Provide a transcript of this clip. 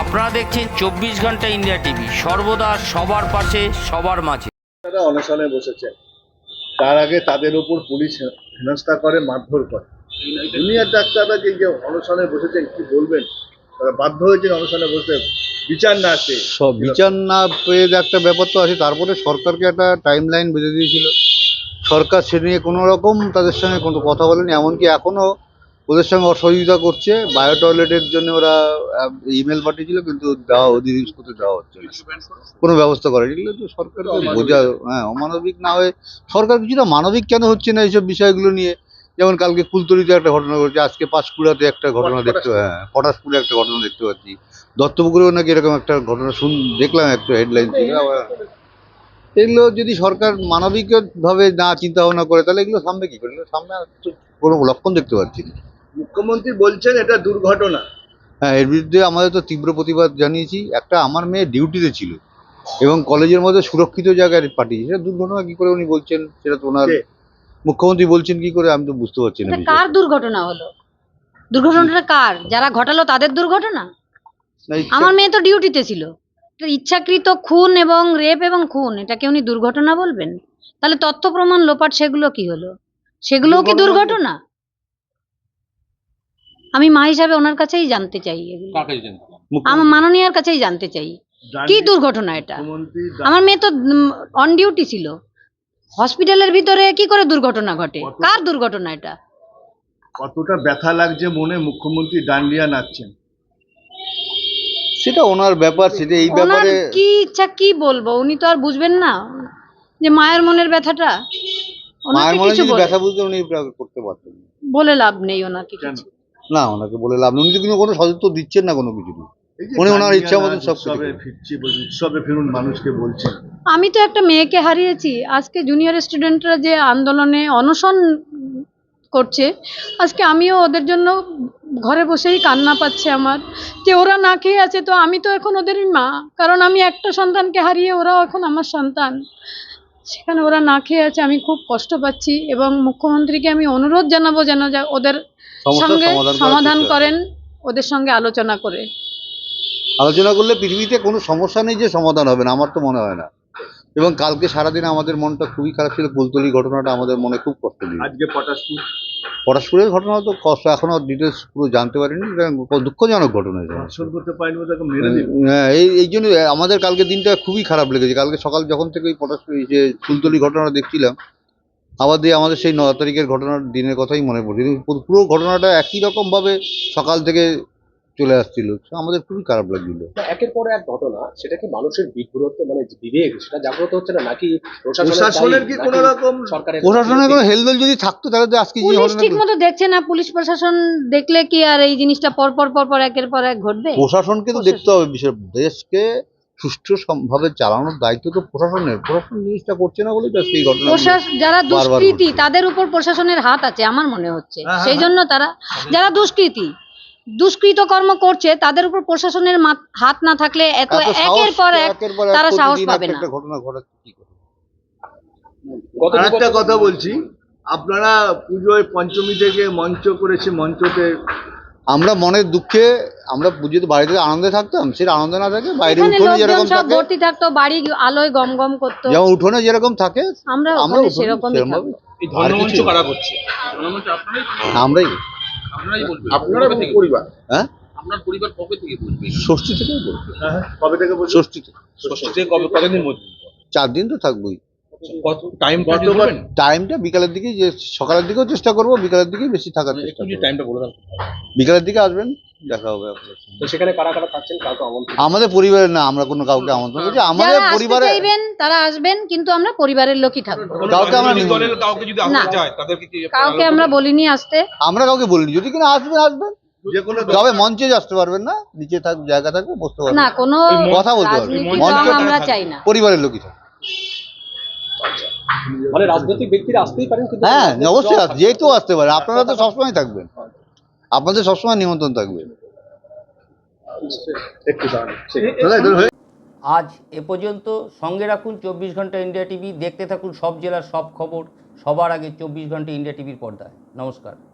আপনারা দেখছেন 24 ঘন্টা ইন্ডিয়া টিভি, সর্বদা সবার পাশে সবার মাঝে। তারা অনশনে বসেছেন, তার আগে তাদের উপর পুলিশ হেনস্থা করে, মারধর করে। জুনিয়র ডাক্তাররা যে অনশনে বসেছেন, কি বলবেন? তারা বাধ্য হয়েছেন অনশনে বসতে, বিচার না আসে। সব বিচার না পেয়ে একটা ব্যাপার তো আছে। তারপরে সরকারকে একটা টাইম লাইন বেঁধে দিয়েছিল, সরকার সে নিয়ে কোনো রকম তাদের সঙ্গে কোনো কথা বলেনি। এমনকি এখনও ওদের সঙ্গে অসহযোগিতা করছে। বায়ো টয়লেটের জন্য ওরা ইমেল পাঠিয়েছিল, কিন্তু দেওয়া ওদের ইউজ করতে দেওয়া হচ্ছে না, কোনো ব্যবস্থা করেনি। এগুলো তো সরকারকে বোঝা, অমানবিক না হয়ে সরকার কিছুটা মানবিক কেন হচ্ছে না এইসব বিষয়গুলো নিয়ে? যেমন কালকে কুলতলিতে একটা ঘটনা ঘটেছে, আজকে পাঁশকুড়াতে একটা ঘটনা দেখতে, পটাশপুরে একটা ঘটনা দেখতে পাচ্ছি, দত্তপুকুরেও নাকি এরকম একটা ঘটনা দেখলাম, একটা হেডলাইন ছিল। আবার এগুলো যদি সরকার মানবিকভাবে না চিন্তা ভাবনা করে, তাহলে এগুলো সামনে কি করে? সামনে তো কোনো লক্ষণ দেখতে পাচ্ছি না। মুখ্যমন্ত্রী বলছেন এটা দুর্ঘটনা। হ্যাঁ, এর বিরুদ্ধে আমাদের তো তীব্র প্রতিবাদ জানিয়েছি। একটা আমার মেয়ে ডিউটিতে ছিল এবং কলেজের মধ্যে সুরক্ষিত জায়গায় পাঠিয়েছে, সেটা দুর্ঘটনা কি করে উনি বলছেন? সেটা তো ওনার মুখ্যমন্ত্রী বলছেন কি করে, আমি তো বুঝতে পারছি না। কার দুর্ঘটনা হলো? দুর্ঘটনাটা কার? যারা ঘটালো তাদের দুর্ঘটনা? আমার মেয়ে তো ডিউটিতে ছিল। ইচ্ছাকৃত খুন এবং রেপ এবং খুন, এটাকে উনি দুর্ঘটনা বলবেন? তাহলে তথ্য প্রমাণ লোপাট, সেগুলো কি হলো? সেগুলোও কি দুর্ঘটনা? আমি মা হিসাবে ওনার কাছেই জানতে চাই, এগুলো আমার মাননীয়ার কাছেই জানতে চাই, কি দুর্ঘটনা এটা? আমার মেয়ে তো অন ডিউটি ছিল, হসপিটালের ভিতরে কি করে দুর্ঘটনা ঘটে? কার দুর্ঘটনা এটা? কতটা ব্যথা লাগছে মনে, মুখ্যমন্ত্রী ডান্ডিয়া নাচছেন। সেটা ওনার ব্যাপার, সেটা এই ব্যাপারে কি ইচ্ছা কি বলবো, উনি তো আর বুঝবেন না যে মায়ের মনের ব্যথাটা। মায়ের মনে যদি ব্যথা বুঝতে উনি করতে পারতেন। বলে লাভ নেই ওনাকে কিছু। না, ওনাকে বলে লাভ নেই, উনি তো কোনো সদস্য দিচ্ছেন না কোনো কিছু। উনি ওনার ইচ্ছা মতন সব ফিরছি, উৎসবে ফিরুন মানুষকে বলছেন। আমি তো একটা মেয়েকে হারিয়েছি। আজকে জুনিয়র স্টুডেন্টরা যে আন্দোলনে অনশন করছে, আজকে আমিও ওদের জন্য ঘরে বসেই কান্না পাচ্ছে আমার, যে ওরা না খেয়ে আছে। তো আমি তো এখন ওদেরই মা, কারণ আমি একটা সন্তানকে হারিয়ে ওরাও এখন আমার সন্তান। সেখানে ওরা না খেয়ে আছে, আমি খুব কষ্ট পাচ্ছি। এবং মুখ্যমন্ত্রীকে আমি অনুরোধ জানাবো যেন ওদের সঙ্গে সমাধান করেন, ওদের সঙ্গে আলোচনা করে। আলোচনা করলে পৃথিবীতে কোনো সমস্যা নেই যে সমাধান হবে না, আমার তো মনে হয় না। এবং কালকে সারাদিন আমাদের মনটা খুবই খারাপ ছিল। কুলতলি ঘটনাটা আমাদের মনে খুব কষ্ট দিল। আজকে পটাশপুরের ঘটনা তো কষ্ট, এখনো ডিটেলস পুরো জানতে পারিনি। দুঃখজনক ঘটনা। হ্যাঁ, এই জন্য আমাদের কালকে দিনটা খুবই খারাপ লেগেছে। কালকে সকাল যখন থেকে ওই পটাশপুর যে কুলতলি ঘটনাটা দেখছিলাম, আবার দিয়ে আমাদের সেই 9 তারিখের ঘটনার দিনের কথাই মনে পড়ছে। পুরো ঘটনাটা একই রকমভাবে সকাল থেকে চলে আসছিল, আমাদের খুবই খারাপ লাগছিল। একের পর এক ঘটনা, সেটা কি মানুষের বিভ্রত, মানে বিবেক সেটা জাগ্রত হচ্ছে না, নাকি প্রশাসনের কি কোনো রকম, প্রশাসনের কোনো হেলদোল যদি থাকতো তাহলে তো আজকে পুলিশ ঠিক মতো দেখছে না। পুলিশ প্রশাসন দেখলে কি আর এই জিনিসটা পর একের পর এক ঘটবে? প্রশাসনকে তো দেখতে হবে। বিষয় দেশকে সুষ্ঠুভাবে চালানোর দায়িত্ব তো প্রশাসনের। প্রশাসন জিনিসটা করছে না বলেই তো সেই ঘটনা। যারা দুষ্কৃতী তাদের উপর প্রশাসনের হাত আছে আমার মনে হচ্ছে। সেই জন্য তারা, যারা দুষ্কৃত কর্ম করছে, তাদের উপর প্রশাসনের হাত না থাকলে এত একের পর এক তারা সাহস পাবে না। ঘটনা ঘটাচ্ছে কি করে? একটা কথা বলছি, আপনারা পুজোয় পঞ্চমী থেকে মঞ্চ করেছে, মঞ্চতে আমরা মনের দুঃখে, আমরা পুজোতে বাড়িতে আনন্দে থাকতাম, সেটা আনন্দ না থাকে বাইরে উঠোনে যেরকম থাকে ভর্তি থাকতো, বাড়ি আলোয় গম গম করতো, যেমন উঠোনে যেরকম থাকে আমরা সেরকমই থাকবো। আমরাই আপনারা পরিবার, হ্যাঁ, আপনার পরিবার কবে থেকে বলবে? ষষ্ঠী থেকেই বলবো। কবে থেকে বলবো? ষষ্ঠী থেকে। ষষ্ঠী থেকে কতদিন মধ্যে? 4 দিন তো থাকবোই। টাইমটা বিকালের দিকে, যে সকালের দিকেও চেষ্টা করবো, বিকালের দিকেই বেশি থাকার চেষ্টা করবো। টাইমটা বলে দাও। বিকালের দিকে আসবেন, দেখা হবে আপনার। তো সেখানে কারা কারা থাকছেন, কাউকে আমন্ত্রণ? আমাদের পরিবারের না, আমরা কোনো কাউকে আমন্ত্রণ করছি। আমাদের পরিবারে তারা আসবেন, কিন্তু আমরা পরিবারের লোকই থাকবো। কাউকে আমরা কাউকে আমরা বলিনি আসতে। আমরা কাউকে বলিনি। যদি কিনা আসবেন, যে কোনো, তবে মঞ্চে আসতে পারবেন না, নিচে জায়গা থাকবে, বসতে পারবেন না, কোনো কথা বলতে পারবেন। মঞ্চ আমরা চাই না। পরিবারের লোকই থাকবে। মানে রাজনৈতিক ব্যক্তিরা আসতেই পারেন, কিন্তু হ্যাঁ, অবশ্যই যে কেউ আসতে পারে। আপনারা তো সবসময় থাকবেন, আপনাদের সবসময় নিমন্ত্রণ থাকবে। আজ এ পর্যন্ত। সঙ্গে রাখুন 24 ঘন্টা ইন্ডিয়া টিভি। দেখতে থাকুন সব জেলার সব খবর সবার আগে 24 ঘন্টা ইন্ডিয়া টিভির পর্দায়। নমস্কার।